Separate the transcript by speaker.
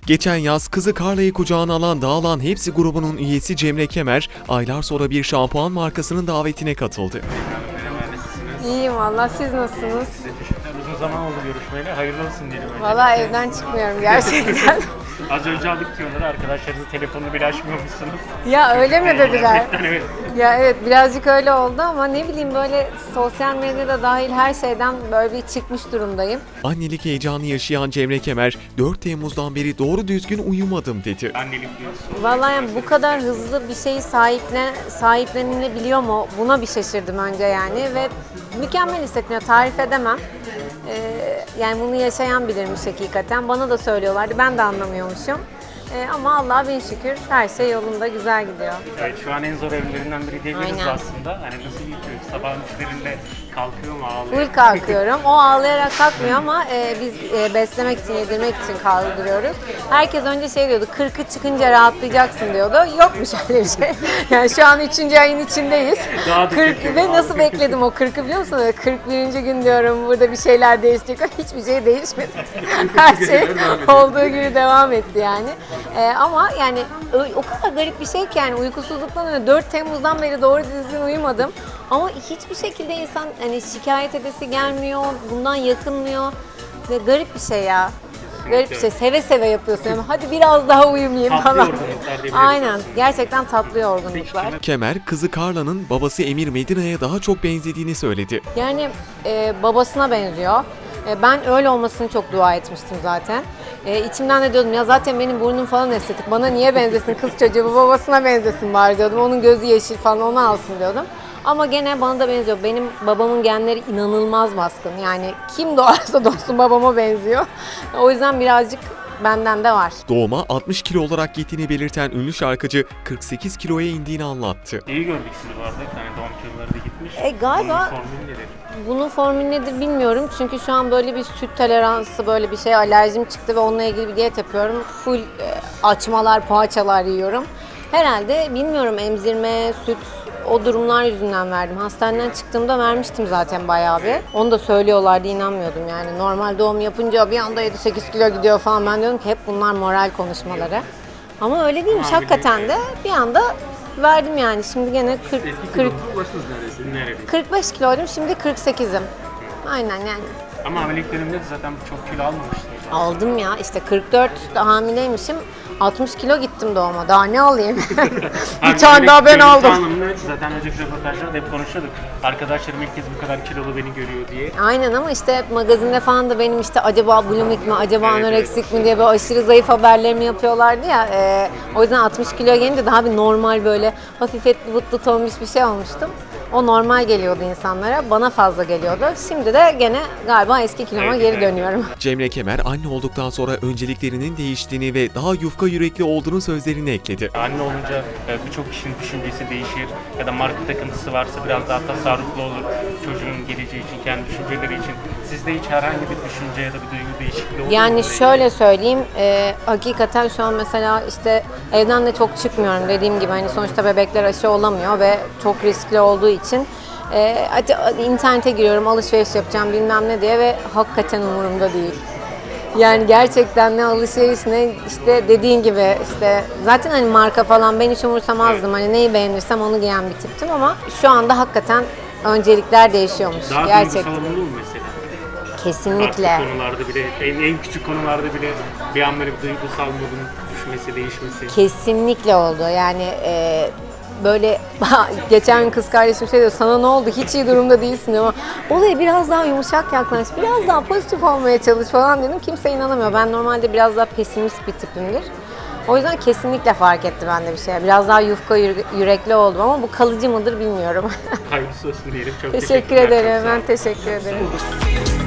Speaker 1: Geçen yaz kızı Carla'yı kucağına alan Dağılan Hepsi grubunun üyesi Cemre Kemer, aylar sonra bir şampuan markasının davetine katıldı.
Speaker 2: İyiyim valla, siz nasılsınız?
Speaker 3: Size teşekkürler. Uzun zaman oldu görüşmeyle. Hayırlı olsun diyelim.
Speaker 2: Valla evden çıkmıyorum gerçekten.
Speaker 3: Az önce aldık diyorlar. Arkadaşlarınızın telefonunu bile açmıyormuşsunuz.
Speaker 2: Ya öyle mi dediler?
Speaker 3: Evet.
Speaker 2: Ya evet, birazcık öyle oldu ama ne bileyim, böyle sosyal medyada dahil her şeyden böyle bir çıkmış durumdayım.
Speaker 1: Annelik heyecanı yaşayan Cemre Kemer, 4 Temmuz'dan beri doğru düzgün uyumadım dedi.
Speaker 3: Annelik diyorsun.
Speaker 2: Vallahi yani bu kadar hızlı bir şeyi sahiplenilebiliyor mu? Buna bir şaşırdım önce yani ve mükemmel hissettiriyor, tarif edemem. Yani bunu yaşayan bilirmiş hakikaten. Bana da söylüyorlardı, ben de anlamıyormuşum. Ama Allah'a bin şükür her şey yolunda, güzel gidiyor.
Speaker 3: Evet, şu an en zor evlerinden biri diyebiliriz
Speaker 2: Aynen.
Speaker 3: aslında. Hani nasıl geçiyor? Sabahın üçlerinde kalkıyor mu ağlıyor?
Speaker 2: Full kalkıyorum. O ağlayarak kalkmıyor ama biz beslemek için, yedirmek için kaldırıyoruz. Herkes önce şey diyordu, 40'ı çıkınca rahatlayacaksın diyordu. Yokmuş öyle bir şey. Yani şu an 3. ayın içindeyiz.
Speaker 3: Daha da
Speaker 2: 40
Speaker 3: kötü.
Speaker 2: ve nasıl bekledim o 40'ı biliyor musun? 41. gün diyorum, burada bir şeyler değişecek. Hiçbir şey değişmedi. Her şey olduğu gibi devam etti yani. Ama yani o kadar garip bir şey ki, yani uykusuzluktan öyle 4 Temmuz'dan beri doğru düzgün uyumadım. Ama hiçbir şekilde insan hani şikayet edesi gelmiyor, bundan yakınmıyor ve garip bir şey ya. Garip bir şey. Seve seve yapıyorsun. Yani hadi biraz daha uyumayayım
Speaker 3: Tatlı
Speaker 2: falan.
Speaker 3: yorgunluklar diyebiliriz.
Speaker 2: Aynen. Gerçekten tatlı yorgunluklar.
Speaker 1: Kemer, kızı Carla'nın babası Emir Medina'ya daha çok benzediğini söyledi.
Speaker 2: Yani babasına benziyor. Ben öyle olmasını çok dua etmiştim zaten. İçimden de diyordum ya, zaten benim burnum falan estetik. Bana niye benzesin kız çocuğu, bu babasına benzesin bari diyordum. Onun gözü yeşil falan, onu alsın diyordum. Ama gene bana da benziyor. Benim babamın genleri inanılmaz baskın. Yani kim doğarsa doğsun babama benziyor. O yüzden birazcık benden de var.
Speaker 1: Doğuma 60 kilo olarak gittiğini belirten ünlü şarkıcı 48 kiloya indiğini anlattı.
Speaker 3: İyi gördük sizi bu arada. Yani doğum kiloları da gitmiş.
Speaker 2: Galiba
Speaker 3: Bunun formülü nedir?
Speaker 2: bunun formülü nedir bilmiyorum. Çünkü şu an böyle bir süt toleransı, böyle bir şey, alerjim çıktı ve onunla ilgili bir diyet yapıyorum. Full açmalar, poğaçalar yiyorum. Herhalde bilmiyorum, emzirme, süt, o durumlar yüzünden verdim. Hastaneden çıktığımda vermiştim zaten bayağı bir. Onu da söylüyorlardı, inanmıyordum yani. Normal doğum yapınca bir anda 7-8 kilo gidiyor falan. Ben diyorum ki hep bunlar moral konuşmaları. Ama öyle değilmiş hakikaten de. Bir anda verdim yani. Şimdi gene 40
Speaker 3: Ulaştınız neredeyse. Nerede?
Speaker 2: 45 kiloydum, şimdi 48'im. Aynen yani.
Speaker 3: Ama hamilelik döneminde de zaten çok kilo almamıştınız.
Speaker 2: Aldım ya, işte 44 hamileymişim. 60 kilo gittim doğuma. Daha ne alayım? Bir tane daha ben aldım.
Speaker 3: Zaten önceki röportajlarda hep konuşuyorduk. Arkadaşlarım ilk kez bu kadar kilolu beni görüyor diye.
Speaker 2: Aynen, ama işte hep magazinde falan da benim işte acaba bulimik mi, acaba
Speaker 3: Evet,
Speaker 2: anoreksik mi diye böyle aşırı zayıf haberlerimi yapıyorlardı ya. O yüzden 60 kilo gelince daha bir normal, böyle hafif etli butlu tombiş bir şey olmuştum. O normal geliyordu insanlara, bana fazla geliyordu. Şimdi de gene galiba eski kiloma geri dönüyorum.
Speaker 1: Cemre Kemer, anne olduktan sonra önceliklerinin değiştiğini ve daha yufka yürekli olduğunu sözlerine ekledi.
Speaker 3: Anne olunca birçok kişinin düşüncesi değişir ya da marka takıntısı varsa biraz daha tasarruflu olur çocuğun geleceği için, kendi düşünceleri için. Sizde hiç herhangi bir düşünce ya da bir duygu değişikliği oldu mu?
Speaker 2: Yani şöyle söyleyeyim, hakikaten şu an mesela işte evden de çok çıkmıyorum, dediğim gibi hani sonuçta bebekler aşı olamıyor ve çok riskli olduğu için hadi internete giriyorum, alışveriş yapacağım bilmem ne diye ve hakikaten umurumda değil. Yani gerçekten ne alışveriş ne işte dediğin gibi, işte zaten hani marka falan ben hiç umursamazdım. Hani neyi beğenirsem onu giyen bir tiptim ama şu anda hakikaten öncelikler değişiyormuş
Speaker 3: Daha
Speaker 2: gerçekten.
Speaker 3: duygusal olumlu mu mesela?
Speaker 2: Kesinlikle.
Speaker 3: Farklı konularda bile, en küçük konularda bile bir an böyle bir duygusal modun düşmesi, değişmesi.
Speaker 2: Kesinlikle oldu. Yani böyle geçen gün kız kardeşim şey diyor, sana ne oldu, hiç iyi durumda değilsin diyor, ama olaya biraz daha yumuşak yaklaş, biraz daha pozitif olmaya çalış falan dedim. Kimse inanamıyor. Ben normalde biraz daha pesimist bir tipimdir. O yüzden kesinlikle fark etti bende bir şey. Biraz daha yufka yürekli oldum ama bu kalıcı mıdır bilmiyorum.
Speaker 3: Hayırlısı olsun diyelim. Çok
Speaker 2: Teşekkür ederim. Ben teşekkür ederim.